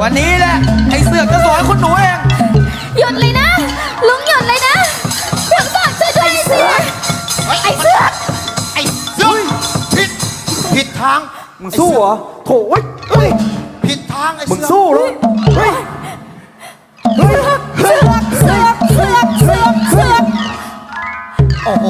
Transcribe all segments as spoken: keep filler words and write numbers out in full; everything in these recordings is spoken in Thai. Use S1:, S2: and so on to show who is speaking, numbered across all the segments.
S1: วันนี้แหละไอ้เสือกจะสอนคุณหนูเอง
S2: หยุดเลยนะลุงหยุดเลยนะเสือกสอนช่วยด้วยไอ้เสือกไอ้เสือก
S3: ไอ้เสือกผิดผิดทาง
S4: มึงสู้เหรอโถ่เฮ้ย
S3: ผิดทางไอ้เสือก
S4: มึงสู้เหรอเฮ้ย
S2: เสือกเสือกเสือกเสือกเสือกเสือก
S3: โอ้โห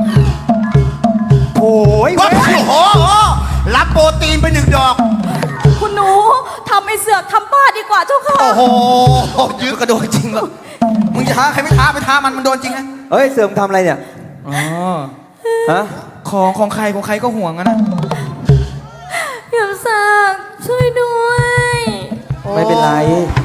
S4: โอ้ย
S3: โอ้โหรับโปรตีนไปหนึ่งดอก
S2: คุณหนูทำไอ้เสือกทำบ้าดีกว่าเจ้าค่ะ
S3: โอ้โห
S1: ยื้อกระโดดจริงหรอมึงจะท้าใครไม่ท้าไปท้ามันมันโดนจริงนะ
S4: เฮ้ยเสื่อมทำอะไรเนี่ย
S1: อ๋อ
S4: ฮะ
S1: ของของใครของใครก็ห่วงนะ
S2: เดี๋ยวสักช่วยด้วย
S4: ไม่เป็นไร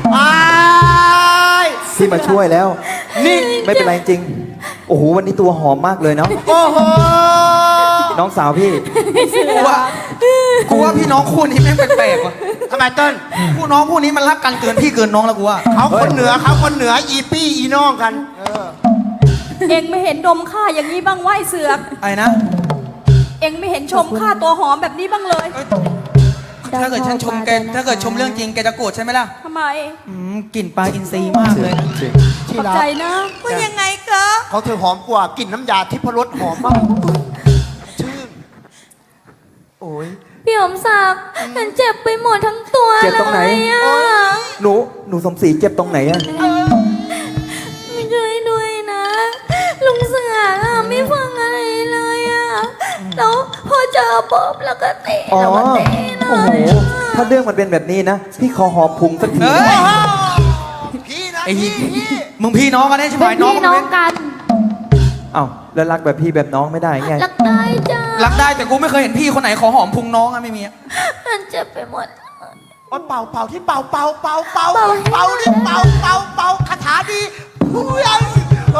S4: พี่มาช่วยแล้วนี่ไม่เป็นไรจริงโอ้โหวันนี้ตัวหอมมากเลยเนาะ
S3: โอ้โห
S4: น้องสาวพี่
S1: กูว่ากูว่าพี่น้องคู่นี้แม่งแปลกๆว่ะ
S3: ทำไมเติ้ล
S1: คู่น้องคู่นี้มันรักกันเกินพี่เกินน้องแล้วกูว่า
S3: เขาคนเหนือเขาคนเหนืออีปี้อีน้องกันเออ
S2: เอ็งไม่เห็นดมข้าอย่างนี้บ้างไหวเสือก
S1: ไอ้นะ
S2: เอ็งไม่เห็นชมข้าตัวหอมแบบนี้บ้างเลย
S1: ถ้าเกิดฉันชมแกถ้าเกิดชมเรื่องจริงแกจะโกรธใช่ไหมล่ะ
S2: ทำไม
S1: อืมกลิ่นปลาอินทรีย์มากเลยนะ
S2: ขอบใจนะว่ายังไงคะ
S3: เขาเธอหอมกว่ากลิ่นน้ำยาทิพรสหอมมากชื่นโอ้ย
S2: พี่หอมศักดิ์ฉันเจ็บไปหมดทั้งตัว
S4: เจ็บตรงไหนหนูหนูสมศรีเจ็บตรงไหนอะ
S2: ไม่ช่วยด้วยนะลุงเสือไม่ฟังอะไรเลยอะแล้วพอเจอปุ๊บแล้วก็เตะแล้วก็เตะเลย
S4: โอ้โหถ้าเรื่องมันเป็นแบบนี้นะพี่ขอหอมพุงสักที
S3: พี่นะ
S1: ไอ้พี่มึงพี่น้องกันได้ใช่ไหมน้อง
S2: พี่น้องกัน
S4: เอ้าแล้วรักแบบพี่แบบน้องไม่ได้ไง
S2: รักได้จ้า
S1: รักได้แต่กูไม่เคยเห็นพี่คนไหนขอหอมพุงน้องอะไม่มี
S2: มันเจ็บไปหมด
S3: เป่าเป่าที่เป่าเป่าเป่าเป่าเป่าที่เป่าเป่าเป่าคาถาดีผู้ใหญ่เอ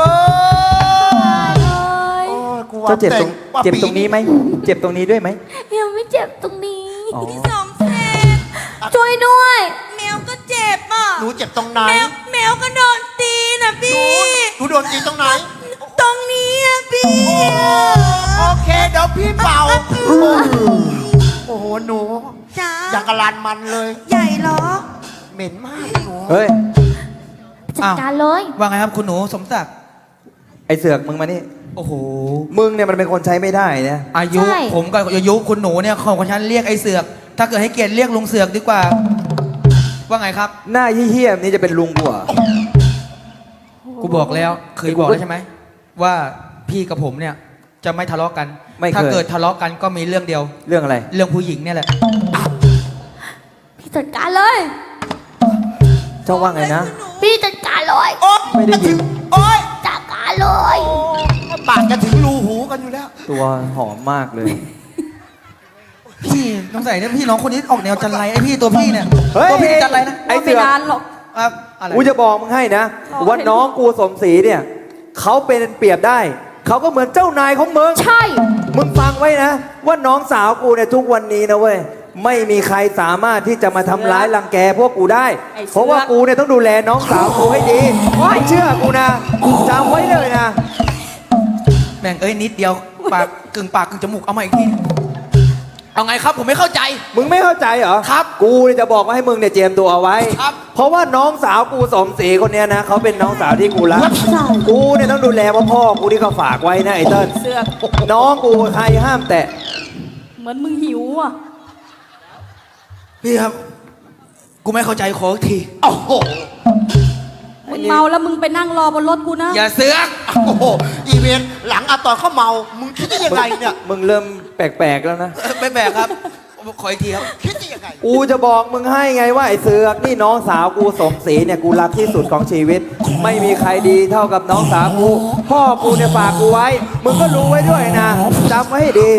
S3: อ
S4: เจ้าเจ็บตรงเจ็บตรงนี้ไหมเจ็บตรงนี้ด้วยไหม
S2: ยังไม่เจ็บตรงนี้ที่สองแสบช่วยด้วยแมวก็เจ็บอ่ะ
S3: หนูเจ็บตรงไหน
S2: แมวก็โดนตีนะพี่
S3: หนูโดนตีตรงไหน
S2: ตรงนี้อ่ะพี่
S3: โอเคเดี๋ยวพี่เป่าโอ้โหหนู
S2: จ้า
S3: อยากกระลานมันเลย
S2: ใหญ่เหรอ
S3: เหม็นมากหนู
S4: เฮ้ย
S2: จัดการเลย
S1: ว่าไงครับคุณหนูสมศักดิ์
S4: ไอเสือกมึงมานี่
S1: โอ้โห
S4: มึงเนี่ยมันเป็นคนใช้ไม่ได้นะ
S1: อายุผมกับอายุคุณหนูเนี่ยของฉันเรียกไอเสือกถ้าเกิดให้เกียรติเรียกลุงเสือกดีกว่าว่าไงครับ
S4: หน้าเหี้ยๆนี่จะเป็นลุงกูอ่ะ
S1: กูบอกแล้วเคยบอกแล้วใช่ไหมว่าพี่กับผมเนี่ยจะไม่ทะเลาะกันถ้าเกิดทะเลาะกันก็มีเรื่องเดียว
S4: เรื่องอะไร
S1: เรื่องผู้หญิงเนี่ยแหละ
S2: พี่จัดการเลย
S4: เจ้าว่าไงนะ
S2: พี่จัดการเลย
S4: ไม่ได้ยิน
S3: โอ๊ย
S2: จัดการเลย
S3: ปากจะถึงรูหูกันอยู่แล้ว
S4: ตัวหอมมากเลย
S1: พี่น้องใส่เนี่ยพี่น้องคนนี้ออกแนวจันไรไอพี่ตัวพี่เนี่ยตัวพี่จันไรนะ
S4: ไอเสือ
S2: ไม่นานหรอก
S4: กูจะบอกมึงให้นะว่าน้องกูสมศรีเนี่ยเขาเป็นเปรียบได้เขาก็เหมือนเจ้านายของมึง
S2: ใช่
S4: มึงฟังไว้นะว่าน้องสาวกูเนี่ยทุกวันนี้นะเว้ยไม่มีใครสามารถที่จะมาทำร้ายรังแกพวกกูได้เพราะว่ากูเนี่ยต้องดูแลน้องสาวกูให้ดีไม่เชื่อกูนะจำไว้เลยนะ
S1: แม่งเอ้ยนิดเดียวปากกึ่งปากกึ่งจมูกเอามาอีกทีเอาไงครับผมไม่เข้าใจ
S4: มึงไม่เข้าใจเหรอ
S1: ครับ
S4: กูเนี่ยจะบอกว่าให้มึงเนี่ยเจียมตัวเอาไว้
S1: ครับ
S4: เพราะว่าน้องสาวกูสมศรีคนเนี้ยนะเขาเป็นน้องสาวที่กูรักกูเนี่ยต้องดูแลพ่อพ่อกูที่เขาฝากไว้นะไอ้เติ้ลน้องกูใครห้ามแตะ
S2: เหมือนมึงหิวอ่ะ
S1: พี่ครับกูไม่เข้าใจขออีกที
S3: โอ้โห
S2: มึงเมาแล้วมึงไปนั่งรอบนรถกูนะ
S1: อย่าเสือก
S3: โอ้โหอีเวนต์หลังอะตอนเขาเมามึงคิดได้ยังไงเนี่ย
S4: มึงเริ่มแปลกๆแล้วนะ
S1: ไม่แปลกครับขออีกทีครับ
S3: คิดได้ยังไง
S4: กูจะบอกมึงให้ไงว่าไอ้เสือกนี่น้องสาวกูสมศรีเนี่ยกูรักที่สุดของชีวิตไม่มีใครดีเท่ากับน้องสาวกูพ่อกูเนี่ยฝากกูไว้มึงก็รู้ไว้ด้วยนะจำไว้ให้ดี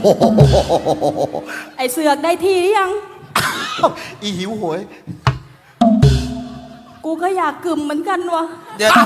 S2: ไอ้เสือกได้ที่หรือยัง
S3: อีหิวโหย
S2: กูก็อยากกึ่มเหมือนกันวะ
S1: เดี๋ยว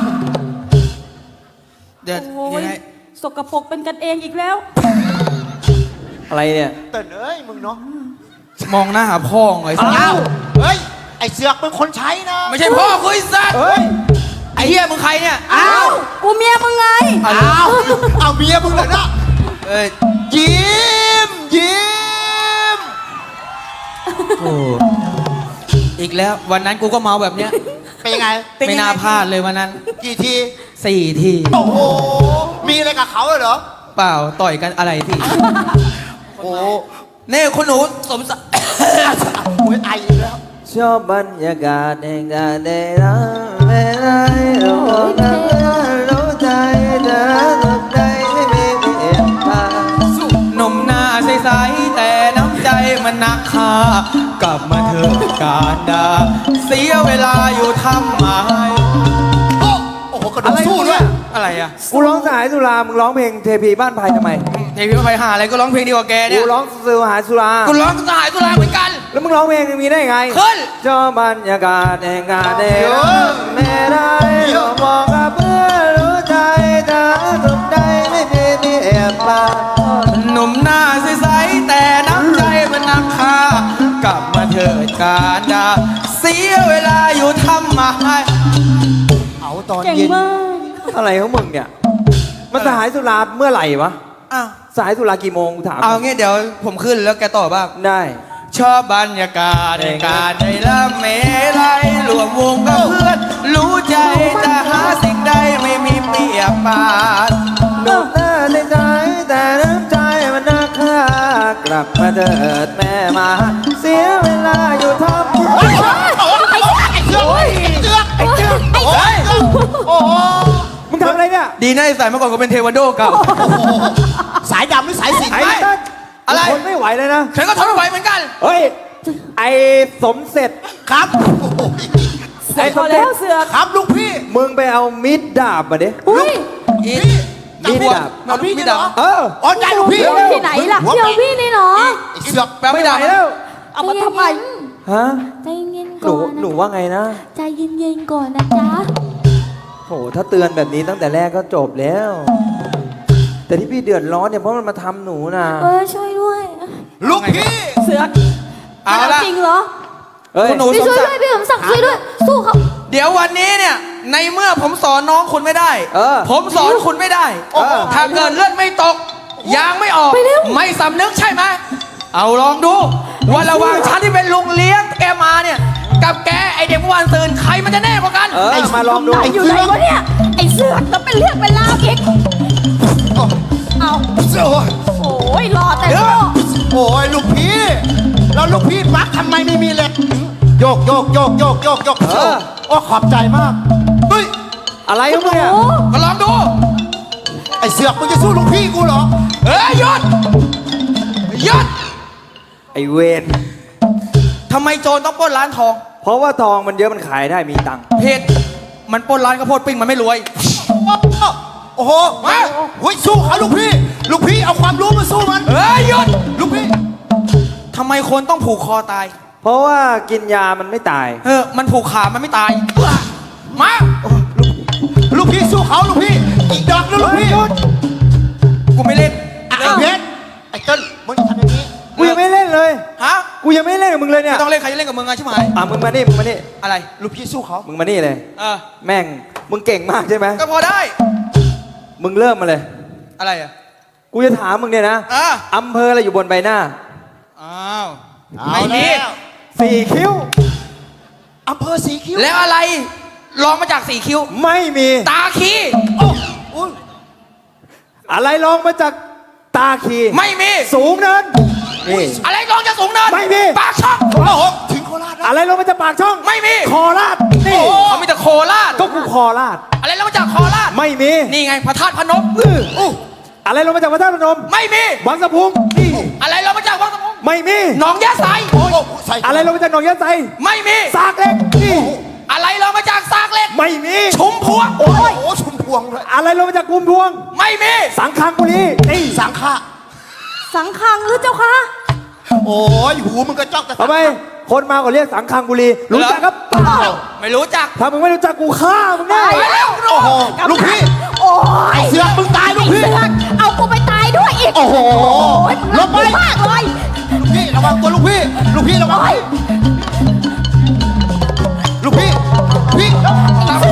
S1: เดี๋ยวยังไง
S2: สกปรกเป็นกันเองอีกแล้ว
S4: อะไรเนี่ย
S3: เต้นเอ้ยมึงเนาะ
S1: มองหน้าหาพ่อไงสัส
S3: เฮ้ยไอเสือกเป็นคนใช้นะ
S1: ไม่ใช่พ่อคุยสัสไอเฮียมึงใครเนี่ย
S2: อ้าวกูเมียมึงไง
S3: อ้าวเอาเมียมึงเหรอนะ
S1: เอ้ย
S3: ยิ้มยิ้ม
S1: โอ้อีกแล้ววันนั้นกูก็เมาแบบเนี้ย
S3: เป็นยังไง
S1: ไม่น่าพลาดเลยวันนั้น
S3: กี่ที
S1: สี่ที
S3: โอ้โห มีอะไรกับเขาเหรอ
S1: เปล่าต่อยกันอะไรพี่
S3: โอ้โห
S1: นี่คุณหนูสมศักดิ์
S3: โอ้ยไออีกแล้ว
S4: ชอบบรรยากาศแห่งการได้รักเวลารู้กันรู้ใจเธอทุกใจไม่มีเปลี่ยนผ่าน
S1: หนุ่มหน้าใสๆแต่น้ำใจมันหนักค่ากลับมาเถอะการดาเสียเวลาอยู่ทำไม
S3: โอ้โอ้โหกระโดดสู้ด้วย
S1: อะไรอ่ะ
S4: กูร้องสายสุรามึงร้องเพลงเทพีบ้านไผ่ทำไม
S1: เทพีไปหาอะไรก็ร้องเพลงดีกว่าแกเนี่
S4: กู
S1: ย
S4: ร้องสื่อหาสุรา
S1: กูร้องสหายตุลาเหมือนกัน
S4: แล้วมึงร้องเพลงอย่างนี้ได้ไง
S1: ขึ้น
S4: ชอบบรรยากาศแห่งการได้รักไม่ได้มองกับเพื่อรู้ใจเธอทุกใจไม่มีเปลี่ยนผ่าน
S1: หนุ่มหน้าใสๆแต่น้ำใจมันหนักค่ากลับมาเถิดการดาเสียเวลาอยู่ทำไม
S3: เอาตอน
S2: เก่ง
S3: เย็น
S2: มาก
S4: อะไรของมึงเนี่ยมันสหายสุราเมื่อไหร่วะ
S1: อ้าว
S4: สหายสุรากี่โมงกูถาม
S1: เอางี้เดี๋ยวผมขึ้นแล้วแกต่อบ้าง
S4: ได้
S1: ชอบบรรยากาศในการได้ละเมลัยรวมวงกับเพื่อน รู้ใจจะหาสิ่งใดไม่มีเปรียบปาน
S4: หนุ่มหน้าในใจแต่น้ำใจมันนักค่ากลับมาเถิดแม่มา เสียเวลาอยู่ทำ
S3: โอ้ยไอ้เสือกไอ้เสือกไอ้เสือกไอ้เสือกโอ้โห
S4: มึงทำอะไรเนี่ย
S1: ดีนะไอ้สายเมื่อก่อนก็เป็นเทควันโดเก่า
S3: สายดำหรือสายสิญจน์
S4: ไอ้
S3: ไม่
S4: ตั้น
S1: อะไร
S4: ทนไม่ไหวเลยนะ
S1: ฉันก็ทนไม่ไหวเหมือนกัน
S4: เฮ้ย ไอ้สมเสร็จ
S3: ครับโอ้โห
S4: ไอ้สมเสร็จ
S3: ครับลูกพี่
S4: มึงไปเอามีดดาบมาดิ
S2: อุ้ย
S1: อี
S3: พี่
S4: มีดดาบ
S3: เอาพี่นี่เหรอ
S4: เออ
S3: อ๋อได้ลูกพี่
S2: เดี๋ยวที่ไหนล่ะ
S3: หัว
S2: เดี๋ยว
S3: แปะ
S2: พี่นี่เหรอ
S3: ไอ้เสือก
S1: แปล
S4: ไม่
S1: ไม่
S4: ไหว
S1: ได้
S4: แล้ว
S2: เอามาทำไม
S4: ฮะ
S2: ใจเย็นๆ
S4: หนู
S2: ก่อน
S4: หนู
S2: นะ
S4: ว่าไงนะ
S2: ใจเย็นๆก่อนนะจ๊ะ
S4: โหถ้าเตือนแบบนี้ตั้งแต่แรกก็จบแล้ว แต่ที่พี่เดือดร้อนเนี่ยเพราะมันมาทำหนูนะ
S2: เออช่วยด้วย
S3: ลูกพี่
S2: เสือก
S1: เอาละ
S2: จริงเหรอ
S4: เฮ้ย
S1: คุณหนู
S2: พี่
S1: สม
S2: ช่วย
S1: ศัก
S2: ด้วย
S1: ดิ์
S2: พี่สมศักดิ์ช่วยด้วย สู้เขา
S1: เดี๋ยววันนี้เนี่ยในเมื่อผมสอนน้องคุณไม่ได้
S4: เออ
S1: ผมสอนคุณไม่ได้
S4: เออ
S1: ถ้าเกิดเลือดไม่ตกยางไม่ออก ไม่สำนึกใช่ไหม เอาลองดูว่าระหว่างฉันที่เป็นลุงเลี้ยงแกมาเนี่ย กับแกไอเด็กเมื่อวานซืนใครมันจะแน่กว่ากัน
S4: เออมาลองดู
S2: ไหนอยู่ไหนวะเนี่ย ไอ้เสือกแล้วเป็นเรื่องเป็นราวอีกเอา
S3: เสือก
S2: โอ้ยรอแต่
S3: เดี๋ยว
S2: โง่
S3: โอ้ยลูกพี่แล้วลูกพี่ปักทำไมไม่มีเหล็กโยกโยกโยกโยกโยกโยก
S4: เออ
S3: โอ้ขอบใจมากเฮ้ย
S4: อะไรของมึงเนี่ย
S2: โอ้
S1: ก็ลองดู
S3: ไอ้เสือกมึงจะสู้ลูกพี่กูเหรอ
S1: เฮ้ยหยุดหยุด
S4: ไอเวน
S1: ทำไมโจรต้องปล้นร้านทอง
S4: เพราะว่าทองมันเยอะมันขายได้มีตังค์
S1: เพจมันปล้นร้านข้าวโพดปิ้งมันไม่รวย
S3: โอ้โหมาเฮ้ยสู้เขาลูกพี่ ลูกพี่เอาความรู้มาสู้มัน
S1: เฮ้ยหยุด
S3: ลูกพี่
S1: ทำไมคนต้องผูกคอตาย
S4: เพราะว่ากินยามันไม่ตาย
S1: เออมันผูกขามันไม่ตาย มา
S3: ลูกพี่สู้เขาลูกพี่ อีกดอกนะลูกพี่
S1: กูไม่เล่น
S3: ไอ้เพชรไอ้เติ้ลมึงทำอย่างนี้
S4: กูยังไม่เล่นเลย
S1: ฮะ
S4: กูยังไม่เล่นกับมึงเลยเนี่ย
S1: ไม่ต้องเล่นใครจะเล่นกับมึงอะใช่ไหม
S4: อ่ะมึงมานี่มึงมานี่
S1: อะไร
S3: ลูกพี่สู้เขา
S4: มึงมานี่เลย
S1: เออ
S4: แม่งมึงเก่งมากใช่ไหม
S1: ก็พอได้
S4: มึงเริ่มมาเลย
S1: อะไรอ่ะ
S4: กูจะถามมึงเนี่ยนะ
S1: อ่ะ
S4: อำเภออะไรอยู่บนใบหน้า
S1: อ้าว
S3: เอา
S1: ไม่มี
S3: แล้ว
S4: สี่คิ้ว
S3: อำเภอสีคิ้ว
S1: แล้วอะไรลองมาจากสีคิ้ว
S4: ไม่มี
S1: ตาคี
S3: โอ้อุ้ย
S4: อะไรลองมาจากตาคี
S1: ไม่มี
S4: สูงเนินนี่
S1: อะไรลองจากสูงเนิน
S4: ไม่มี
S1: ปากช่อง
S3: โอ้โหถึงโคราชแล้ว
S4: อะไรลงมาจากปากช่อง
S1: ไม่มี
S4: คอราดนี่
S1: เขามีแต่โคราช
S4: ก็กูคอราด
S1: อะไรลงมาจากโคราช
S4: ไม่มี
S1: นี่ไงพระธาตุพนม
S4: อื้อ
S3: อู้
S4: อะไรลงมาจากพระธาตุพนม
S1: ไม่มี
S4: วังสะพุงนี่
S1: อะไรลงมาจากวังสะพุง
S4: ไม่มี
S1: หนองยะไซ
S3: โอ้โหใส่
S4: อะไรลงมาจากหนองยะไซ
S1: ไม่มี
S4: สากเหล็กนี่
S1: อะไรลงมาจากซากเหล็ก
S4: ไม่มี
S1: ชุมพวง
S3: โอ้โหชุมพวงเลย
S4: อะไรลงมาจากกุมพวง
S1: ไม่มี
S4: สังคังบุรีนี่
S3: สังฆะ
S2: สังขังหรือเจ้าคะ
S3: โอ้ยหูมึงก็จ้องแต่
S4: ทำไมคนมาก็เรียกสังคังบุรีรู้จักครับเปล่า
S1: ไม่รู้จัก
S4: ถ้ามึงไม่รู้จักกูฆ่ามึงแน่
S1: ไปแล้ว
S3: โอ้โหลูกพี่
S2: โอ้ย
S3: ไอ้เสือกมึงตายลูก
S2: ไอ้
S3: พี่
S2: เสือกเอากูไปตายด้วยอีก
S3: โอ้โห
S2: โอ้ย
S3: ลงไป
S2: มากเลย
S3: ลูกพี่ระวังตัวลูกพี่ ลูกพี่ระวัง
S2: โอ้ย
S3: ลูกพี่ พี่
S1: ตาม